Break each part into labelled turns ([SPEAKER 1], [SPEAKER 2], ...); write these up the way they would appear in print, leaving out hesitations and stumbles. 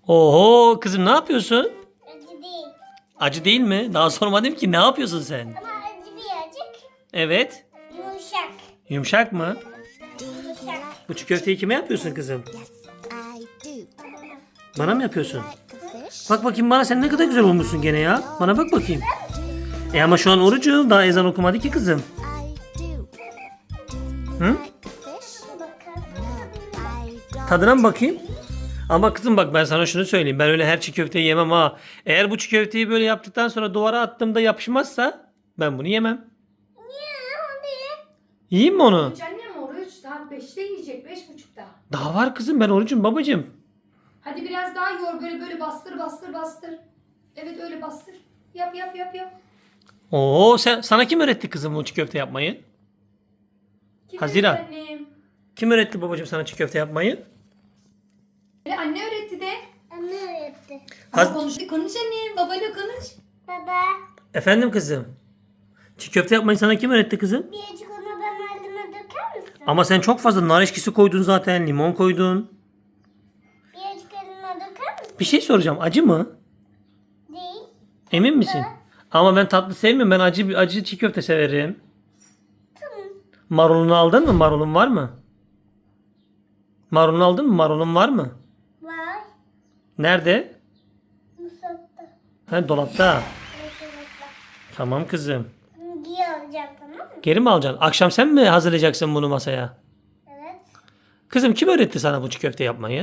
[SPEAKER 1] Oho kızım ne yapıyorsun?
[SPEAKER 2] Acı değil.
[SPEAKER 1] Acı değil mi? Daha sormadım ki ne yapıyorsun sen?
[SPEAKER 2] Ama acı birazcık.
[SPEAKER 1] Evet.
[SPEAKER 2] Yumuşak.
[SPEAKER 1] Yumuşak mı?
[SPEAKER 2] Yumuşak.
[SPEAKER 1] Bu çiğ köfteyi kime yapıyorsun kızım? Bana mı yapıyorsun? Bak bakayım bana, sen ne kadar güzel olmuşsun gene ya. Bana bak bakayım. Ama şu an orucum, daha ezan okumadı ki kızım. Hı? Tadına mı bakayım? Ama kızım bak, ben sana şunu söyleyeyim. Ben öyle her çiğ köfteyi yemem ha. Eğer bu çiğ köfteyi böyle yaptıktan sonra duvara attığımda yapışmazsa ben bunu yemem. Yiyeyim mi onu?
[SPEAKER 3] Annem oruç saat 5'te yiyecek, 5.30'da.
[SPEAKER 1] Daha var kızım, ben orucum babacığım.
[SPEAKER 3] Hadi biraz daha yor, böyle bastır. Evet öyle bastır. Yap.
[SPEAKER 1] Oo, sana kim öğretti kızım bu çiğ köfte yapmayı?
[SPEAKER 3] Kim
[SPEAKER 1] Haziran.
[SPEAKER 3] öğretti annem?
[SPEAKER 1] Kim öğretti babacığım sana çiğ köfte yapmayı?
[SPEAKER 3] Anne öğretti de.
[SPEAKER 2] Anne öğretti.
[SPEAKER 1] Haz-
[SPEAKER 3] Konuş annem, babayla konuş.
[SPEAKER 2] Baba.
[SPEAKER 1] Efendim kızım. Çiğ köfte yapmayı sana kim öğretti kızım?
[SPEAKER 2] Birazcık onu ben malzeme döker misin?
[SPEAKER 1] Ama sen çok fazla nar eşkisi koydun zaten, limon koydun.
[SPEAKER 2] Birazcık eline döker misin?
[SPEAKER 1] Bir şey soracağım, acı mı?
[SPEAKER 2] Değil.
[SPEAKER 1] Emin misin? Ama ben tatlı sevmiyorum, ben acı çiğ köfte severim.
[SPEAKER 2] Tamam.
[SPEAKER 1] Marulunu aldın mı? Marulun var mı? Marulunu aldın mı? Marulun var mı?
[SPEAKER 2] Var.
[SPEAKER 1] Nerede?
[SPEAKER 2] Mutfakta.
[SPEAKER 1] Ha, dolapta.
[SPEAKER 2] Evet, evet, bak.
[SPEAKER 1] Tamam kızım.
[SPEAKER 2] Giy alacağım, tamam mı?
[SPEAKER 1] Geri mi alacaksın? Akşam sen mi hazırlayacaksın bunu masaya?
[SPEAKER 2] Evet.
[SPEAKER 1] Kızım kim öğretti sana bu çiğ köfte yapmayı?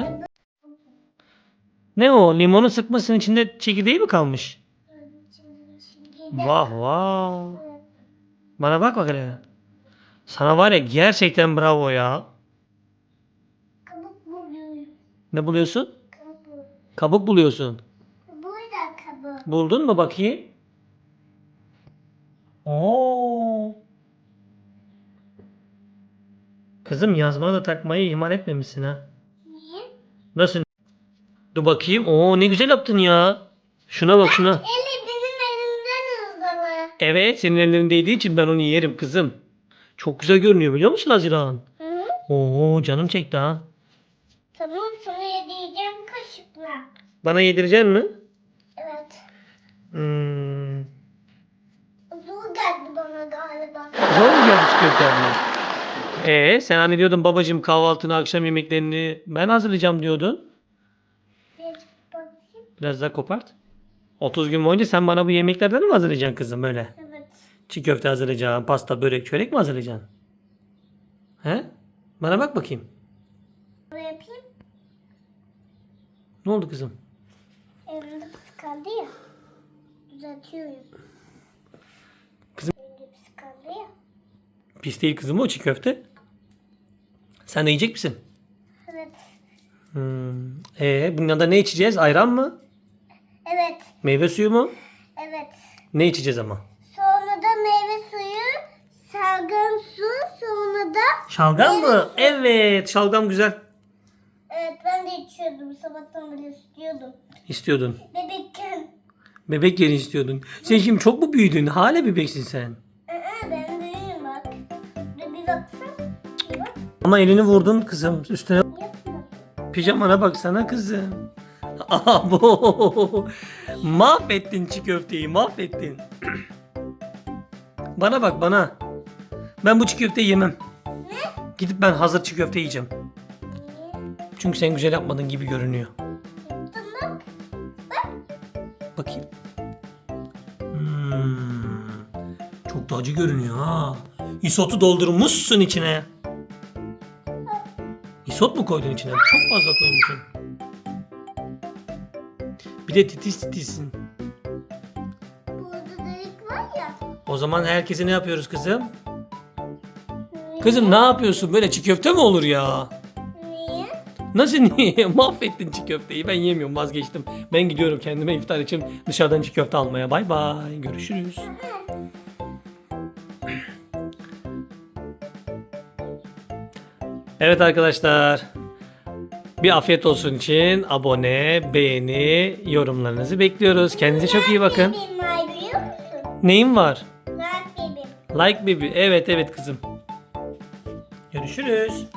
[SPEAKER 1] Ne o? Limonu sıkmasının içinde çekirdeği mi kalmış? Vah vah. Bana bak hele. Sana var ya, gerçekten bravo ya.
[SPEAKER 2] Kabuk buluyorum.
[SPEAKER 1] Ne buluyorsun?
[SPEAKER 2] Kabuk.
[SPEAKER 1] Kabuk buluyorsun.
[SPEAKER 2] Burada kabuk.
[SPEAKER 1] Buldun mu bakayım? Oo. Kızım, yazmanı da takmayı ihmal etmemişsin ha.
[SPEAKER 2] Niye?
[SPEAKER 1] Nasıl? Dur bakayım. Oo, ne güzel yaptın ya. Şuna bak şuna.
[SPEAKER 2] Eli benim elimden hızlı.
[SPEAKER 1] Evet, senin ellerin değdiği için ben onu yerim kızım. Çok güzel görünüyor, biliyor musun Haziran?
[SPEAKER 2] Hı?
[SPEAKER 1] Oo, canım çekti ha.
[SPEAKER 2] Tamam, sana yediğim kaşıkla.
[SPEAKER 1] Bana yedireceksin mi?
[SPEAKER 2] Evet.
[SPEAKER 1] Hmm.
[SPEAKER 2] Zor geldi bana galiba.
[SPEAKER 1] Zor mu geldi çiğ köfte yapmak? Sen hani diyordun babacığım, kahvaltını, akşam yemeklerini ben hazırlayacağım diyordun.
[SPEAKER 2] Birazcık bakayım.
[SPEAKER 1] Biraz daha kopart. 30 gün boyunca sen bana bu yemeklerden mi hazırlayacaksın kızım böyle?
[SPEAKER 2] Evet.
[SPEAKER 1] Çiğ köfte hazırlayacaksın, pasta, börek, çörek mi hazırlayacaksın? He? Bana bak bakayım.
[SPEAKER 2] Böyle yapayım.
[SPEAKER 1] Ne oldu kızım?
[SPEAKER 2] Elimde pis kaldı ya. Düzeltiyorum.
[SPEAKER 1] Kızım-
[SPEAKER 2] Elimde pis kaldı ya.
[SPEAKER 1] Pis değil kızım o çiğ köfte. Sen de yiyecek misin?
[SPEAKER 2] Evet.
[SPEAKER 1] Bunun yanında ne içeceğiz? Ayran mı?
[SPEAKER 2] Evet.
[SPEAKER 1] Meyve suyu mu?
[SPEAKER 2] Evet.
[SPEAKER 1] Ne içeceğiz ama?
[SPEAKER 2] Sonra da meyve suyu, salgın su, sonra da...
[SPEAKER 1] Şalgam mı? Evet, şalgam güzel.
[SPEAKER 2] Evet, ben de içiyordum. Sabahtan beri istiyordum.
[SPEAKER 1] İstiyordun.
[SPEAKER 2] Bebekken.
[SPEAKER 1] Bebek yeri istiyordun. Sen şimdi çok mu büyüdün? Hala bebeksin sen.
[SPEAKER 2] Ben büyüğüm bak. Bir baksana. Bir bak.
[SPEAKER 1] Ama elini vurdun kızım üstüne.
[SPEAKER 2] Yapma.
[SPEAKER 1] Pijamana baksana kızım. Abo. Mahvettin çiğ köfteyi, mahvettin. Bana bak bana. Ben bu çiğ köfteyi yemem.
[SPEAKER 2] Ne?
[SPEAKER 1] Gidip ben hazır çiğ köfte yiyeceğim.
[SPEAKER 2] Niye?
[SPEAKER 1] Çünkü sen güzel yapmadın gibi görünüyor.
[SPEAKER 2] Yaptım bak.
[SPEAKER 1] Bakayım. Çok da acı görünüyor ha. İsotu doldurmuşsun içine. İsot mu koydun içine? Çok fazla koymuşsun. Bir de titiz titizsin.
[SPEAKER 2] Burada delik var ya.
[SPEAKER 1] O zaman herkese ne yapıyoruz kızım? Kızım ne yapıyorsun? Böyle çiğ köfte mi olur ya?
[SPEAKER 2] Niye?
[SPEAKER 1] Nasıl niye? Mahvettin çiğ köfteyi. Ben yemiyorum, vazgeçtim. Ben gidiyorum kendime iftar için dışarıdan çiğ köfte almaya. Bay bay. Görüşürüz. Evet arkadaşlar. Bir afiyet olsun için abone, beğeni, yorumlarınızı bekliyoruz. Kendinize çok iyi bakın.
[SPEAKER 2] Benim var biliyor musun?
[SPEAKER 1] Neyim var?
[SPEAKER 2] Like bebeğim.
[SPEAKER 1] Like baby. Evet evet kızım. Görüşürüz.